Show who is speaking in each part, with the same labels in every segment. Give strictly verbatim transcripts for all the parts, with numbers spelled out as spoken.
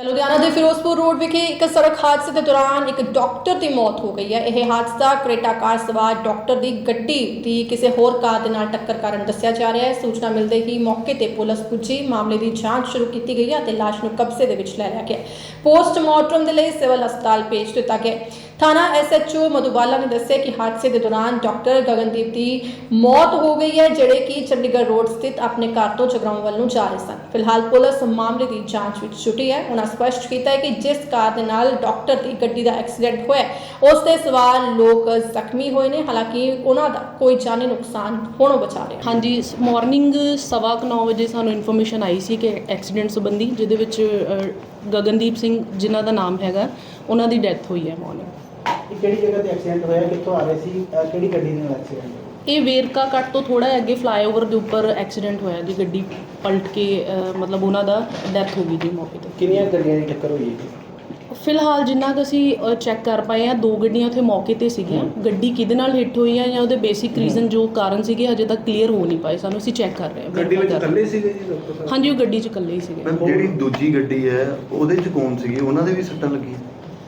Speaker 1: ਲੁਧਿਆਣਾ ਦੇ ਫਿਰੋਜ਼ਪੁਰ ਰੋਡ ਵਿਖੇ ਇੱਕ ਸੜਕ ਹਾਦਸੇ ਦੇ ਦੌਰਾਨ ਇੱਕ ਡਾਕਟਰ ਦੀ ਮੌਤ ਹੋ ਗਈ ਹੈ। ਇਹ ਹਾਦਸਾ ਕਰੇਟਾ ਕਾਰ ਸਵਾਰ ਡਾਕਟਰ ਦੀ ਗੱਡੀ ਦੀ ਕਿਸੇ ਹੋਰ ਕਾਰ ਦੇ ਨਾਲ ਟੱਕਰ ਕਾਰਨ ਦੱਸਿਆ ਜਾ ਰਿਹਾ ਹੈ। ਸੂਚਨਾ ਮਿਲਦੇ ਹੀ ਮੌਕੇ ਤੇ ਪੁਲਿਸ ਪੁੱਜੀ, ਮਾਮਲੇ ਦੀ ਜਾਂਚ ਸ਼ੁਰੂ ਕੀਤੀ ਗਈ ਹੈ ਅਤੇ ਲਾਸ਼ ਨੂੰ ਕਬਜ਼ੇ ਦੇ ਵਿੱਚ ਲੈ ਲਿਆ ਗਿਆ। ਪੋਸਟਮਾਰਟਮ ਦੇ ਲਈ ਸਿਵਲ ਹਸਪਤਾਲ ਭੇਜ ਦਿੱਤਾ ਗਿਆ। ਥਾਣਾ ਐਸ ਐਚ ਓ ਮਧੂਬਾਲਾ ਨੇ ਦੱਸਿਆ ਕਿ ਹਾਦਸੇ ਦੇ ਦੌਰਾਨ ਡਾਕਟਰ ਗਗਨਦੀਪ ਦੀ ਮੌਤ ਹੋ ਗਈ ਹੈ, ਜਿਹੜੇ ਕਿ ਚੰਡੀਗੜ੍ਹ ਰੋਡ ਸਥਿਤ ਆਪਣੇ ਘਰ ਤੋਂ ਜਗਰਾਉਂ ਵੱਲ ਨੂੰ ਜਾ ਰਹੇ ਸਨ। ਫਿਲਹਾਲ ਪੁਲਿਸ ਮਾਮਲੇ ਦੀ ਜਾਂਚ ਵਿੱਚ ਜੁਟੀ ਹੈ। ਉਹਨਾਂ ਸਪਸ਼ਟ ਕੀਤਾ ਹੈ ਕਿ ਜਿਸ ਕਾਰ ਦੇ ਨਾਲ ਡਾਕਟਰ ਦੀ ਗੱਡੀ ਦਾ ਐਕਸੀਡੈਂਟ ਹੋਇਆ, ਉਸ ਤੇ ਸਵਾਰ ਲੋਕ ਜ਼ਖਮੀ ਹੋਏ ਨੇ। ਹਾਲਾਂਕਿ ਉਹਨਾਂ ਦਾ ਕੋਈ ਜਾਨੀ ਨੁਕਸਾਨ ਹੋਣੋਂ ਬਚਾ ਰਿਹਾ।
Speaker 2: ਹਾਂਜੀ, ਮਾਰਨਿੰਗ ਸਵਾ ਕੁ ਨੌ ਵਜੇ ਸਾਨੂੰ ਇਨਫੋਰਮੇਸ਼ਨ ਆਈ ਸੀ ਕਿ ਐਕਸੀਡੈਂਟ ਸੰਬੰਧੀ, ਜਿਹਦੇ ਵਿੱਚ ਗਗਨਦੀਪ ਸਿੰਘ ਜਿਨ੍ਹਾਂ ਦਾ ਨਾਮ ਹੈਗਾ, ਉਹਨਾਂ ਦੀ ਡੈਥ ਹੋਈ ਹੈ ਮਾਰਨਿੰਗ।
Speaker 3: ਕਿਹੜੀ ਜਗ੍ਹਾ ਤੇ ਐਕਸੀਡੈਂਟ ਹੋਇਆ, ਕਿੱਥੋਂ ਆ ਰਹੇ ਸੀ, ਕਿਹੜੀ ਗੱਡੀ ਨਾਲ ਐਕਸੀਡੈਂਟ?
Speaker 2: ਇਹ ਵੇਰਕਾ ਕੱਟ ਤੋਂ ਥੋੜਾ ਅੱਗੇ ਫਲਾਈਓਵਰ ਦੇ ਉੱਪਰ ਐਕਸੀਡੈਂਟ ਹੋਇਆ ਜੀ। ਗੱਡੀ ਪਲਟ ਕੇ ਅ, ਮਤਲਬ ਉਹਨਾਂ ਦਾ ਡੈਥ ਹੋ ਗਈ ਜੀ ਮੌਕੇ ਤੇ।
Speaker 3: ਕਿੰਨੀਆਂ ਗੱਡੀਆਂ ਦੀ ਟੱਕਰ ਹੋਈ ਹੈ?
Speaker 2: ਫਿਲਹਾਲ ਜਿੰਨਾ ਕੁ ਅਸੀਂ ਚੈੱਕ ਕਰ ਪਾਏ ਆ, ਦੋ ਗੱਡੀਆਂ ਉੱਥੇ ਮੌਕੇ ਤੇ ਸੀਗੀਆਂ। ਗੱਡੀ ਕਿਹਦੇ ਨਾਲ ਹਿੱਟ ਹੋਈ ਹੈ ਜਾਂ ਉਹਦੇ ਬੇਸਿਕ ਰੀਜ਼ਨ ਜੋ ਕਾਰਨ ਸੀਗੇ ਹਜੇ ਤੱਕ ਕਲੀਅਰ ਹੋ ਨਹੀਂ ਪਾਏ ਸਾਨੂੰ। ਅਸੀਂ ਚੈੱਕ ਕਰ ਰਹੇ ਹਾਂ।
Speaker 4: ਗੱਡੀ ਵਿੱਚ ਇਕੱਲੇ ਸੀਗੇ ਜੀ ਡਾਕਟਰ ਸਾਹਿਬ?
Speaker 2: ਹਾਂਜੀ, ਉਹ ਗੱਡੀ 'ਚ ਇਕੱਲੇ ਹੀ ਸੀਗੇ।
Speaker 4: ਮੈਮ, ਜਿਹੜੀ ਦੂਜੀ ਗੱਡੀ ਹੈ ਉਹਦੇ 'ਚ ਕੌਣ ਸੀਗੇ? ਉਹਨਾਂ ਦੇ ਵੀ ਸੱਟਾਂ ਲੱਗੀਆਂ?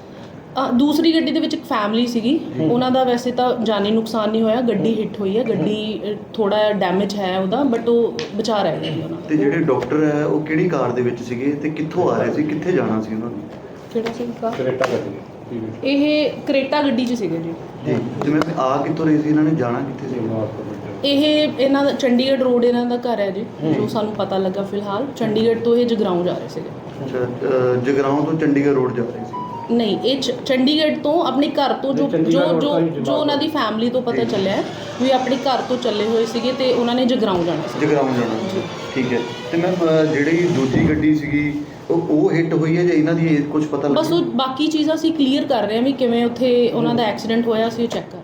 Speaker 2: ਅ, ਦੂਸਰੀ ਗੱਡੀ ਦੇ ਵਿੱਚ ਇੱਕ ਫੈਮਿਲੀ ਸੀਗੀ, ਉਹਨਾਂ ਦਾ ਵੈਸੇ ਤਾਂ ਜਾਨੀ ਨੁਕਸਾਨ ਨਹੀਂ ਹੋਇਆ। ਗੱਡੀ ਹਿੱਟ ਹੋਈ ਹੈ, ਗੱਡੀ ਥੋੜਾ ਡੈਮੇਜ ਹੈ ਉਹਦਾ, ਬਟ ਉਹ ਬਚਾ ਰਹਿ ਗਿਆ ਜੀ ਉਹਨਾਂ ਦਾ।
Speaker 4: ਤੇ ਜਿਹੜੇ ਡਾਕਟਰ ਹੈ ਉਹ ਕਿਹੜੀ ਕਾਰ ਦੇ ਵਿੱਚ ਸੀਗੇ ਤੇ ਕਿੱਥੋਂ ਆ ਰਹੇ ਸੀ, ਕਿੱਥੇ ਜਾਣਾ ਸੀ ਉਹਨਾਂ ਨੇ?
Speaker 2: ਕਿਹੜਾ ਸੀ ਕਾਰ?
Speaker 3: ਕਰੇਟਾ ਗੱਡੀ।
Speaker 2: ਇਹ ਕਰੇਟਾ ਗੱਡੀ 'ਚ ਸੀਗੇ ਜੀ।
Speaker 4: ਜੀ, ਜਿਵੇਂ ਆ ਕਿੱਥੋਂ ਰਹੇ ਸੀ, ਇਹਨਾਂ ਨੇ ਜਾਣਾ ਕਿੱਥੇ ਸੀ?
Speaker 2: ਇਹ ਇਹਨਾਂ ਦਾ ਚੰਡੀਗੜ੍ਹ ਰੋਡ ਇਹਨਾਂ ਦਾ ਘਰ ਹੈ ਜੀ, ਜੋ ਸਾਨੂੰ ਪਤਾ ਲੱਗਾ। ਫਿਲਹਾਲ ਚੰਡੀਗੜ੍ਹ ਤੋਂ ਇਹ ਜਗਰਾਉਂ ਜਾ ਰਹੇ ਸੀਗੇ।
Speaker 4: ਅੱਛਾ, ਅ, ਜਗਰਾਉਂ ਤੋਂ ਚੰਡੀਗੜ੍ਹ ਰੋਡ ਜਾ ਰਹੇ ਸੀ?
Speaker 2: ਨਹੀਂ, ਇਹ ਚ- ਚੰਡੀਗੜ੍ਹ ਤੋਂ ਆਪਣੇ ਘਰ ਤੋਂ ਜੋ ਜੋ ਜੋ ਜੋ ਉਹਨਾਂ ਦੀ ਫੈਮਿਲੀ ਤੋਂ ਪਤਾ ਚੱਲਿਆ ਵੀ ਆਪਣੇ ਘਰ ਤੋਂ ਚੱਲੇ ਹੋਏ ਸੀਗੇ ਤੇ ਉਹਨਾਂ ਨੇ ਜਗਰਾਉਂ ਜਾਣਾ ਸੀ।
Speaker 4: ਜਗਰਾਉਂ ਜਾਣਾ ਸੀ, ਠੀਕ ਹੈ। ਤੇ ਮੈਮ, ਜਿਹੜੀ ਦੂਜੀ ਗੱਡੀ ਸੀਗੀ ਉਹ ਉਹ ਹਿੱਟ ਹੋਈ ਹੈ ਜਾਂ ਇਹਨਾਂ ਦੀ ਕੁਝ ਪਤਾ
Speaker 2: ਬਸ
Speaker 4: ਲੱਗਿਆ?
Speaker 2: ਉਹ ਬਾਕੀ ਚੀਜ਼ਾਂ ਅਸੀਂ ਕਲੀਅਰ ਕਰ ਰਹੇ ਹਾਂ ਵੀ ਕਿਵੇਂ ਉੱਥੇ ਉਹਨਾਂ ਦਾ ਐਕਸੀਡੈਂਟ ਹੋਇਆ, ਅਸੀਂ ਉਹ ਚੈੱਕ ਕਰ